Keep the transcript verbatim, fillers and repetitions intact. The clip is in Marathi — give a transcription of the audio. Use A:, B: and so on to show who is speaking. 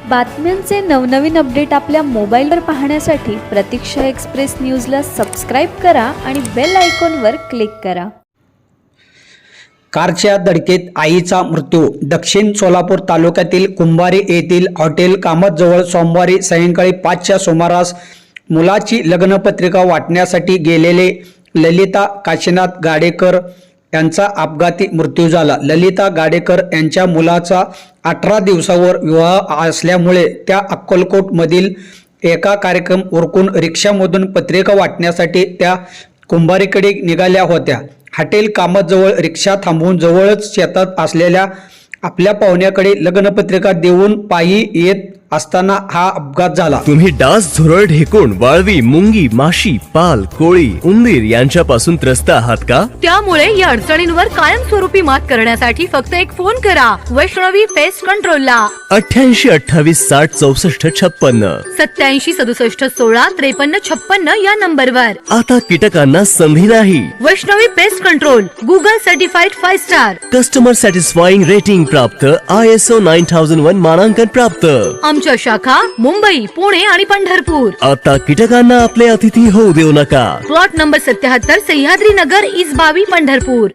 A: बातम्यांचे नवनवीन अपडेट आपल्या मोबाईलवर पाहण्यासाठी प्रतीक्षा एक्सप्रेस न्यूजला सबस्क्राईब करा आणि बेल आयकॉनवर क्लिक करा.
B: कारच्या धडकेत आईचा मृत्यू. दक्षिण सोलापूर तालुक्यातील कुंभारी येथील हॉटेल कामतजवळ सोमवारी सायंकाळी पाचच्या सुमारास मुलाची लग्नपत्रिका वाटण्यासाठी गेलेले ललिता काशीनाथ गाडेकर यांचा अपघाती मृत्यू झाला. ललिता गाडेकर यांच्या मुलाचा अठरा दिवसावर विवाह असल्यामुळे त्या अक्कलकोटमधील एका कार्यक्रम उरकून रिक्षामधून पत्रिका वाटण्यासाठी त्या कुंभारीकडे निघाल्या होत्या. हॉटेल कामतजवळ रिक्षा थांबवून जवळच शेतात असलेल्या आपल्या पाहुण्याकडे लग्नपत्रिका देऊन पायी येत असताना हा अपघात झाला.
C: तुम्ही डास, झुरळ, ढेकूण, वाळवी, मुंगी, माशी, पाल, कोळी, उंदीर यांच्यापासून त्रस्त आहात का?
D: त्यामुळे या अडचणींवर कायमस्वरूपी मात करण्यासाठी फक्त एक फोन करा वैष्णवी पेस्ट कंट्रोलला.
C: अठ्ठ्याऐंशी अठ्ठावीस साठ चौसष्ट छप्पन्न
D: सत्याऐंशी सदुसष्ट सोळा त्रेपन्न छप्पन्न या नंबरवर.
C: आता कीटकांना संधी नाही.
D: Vaishnavi pest control Google certified five star.
C: Customer satisfying rating प्राप्त, I S O nine thousand one मानांकन प्राप्त.
D: आमच्या शाखा मुंबई, पुणे आणि पंढरपूर.
C: आता कीटकांना आपले अतिथी होऊ देऊ नका.
D: प्लॉट नंबर सत्याहत्तर सह्याद्री नगर, इसबावी, पंढरपूर.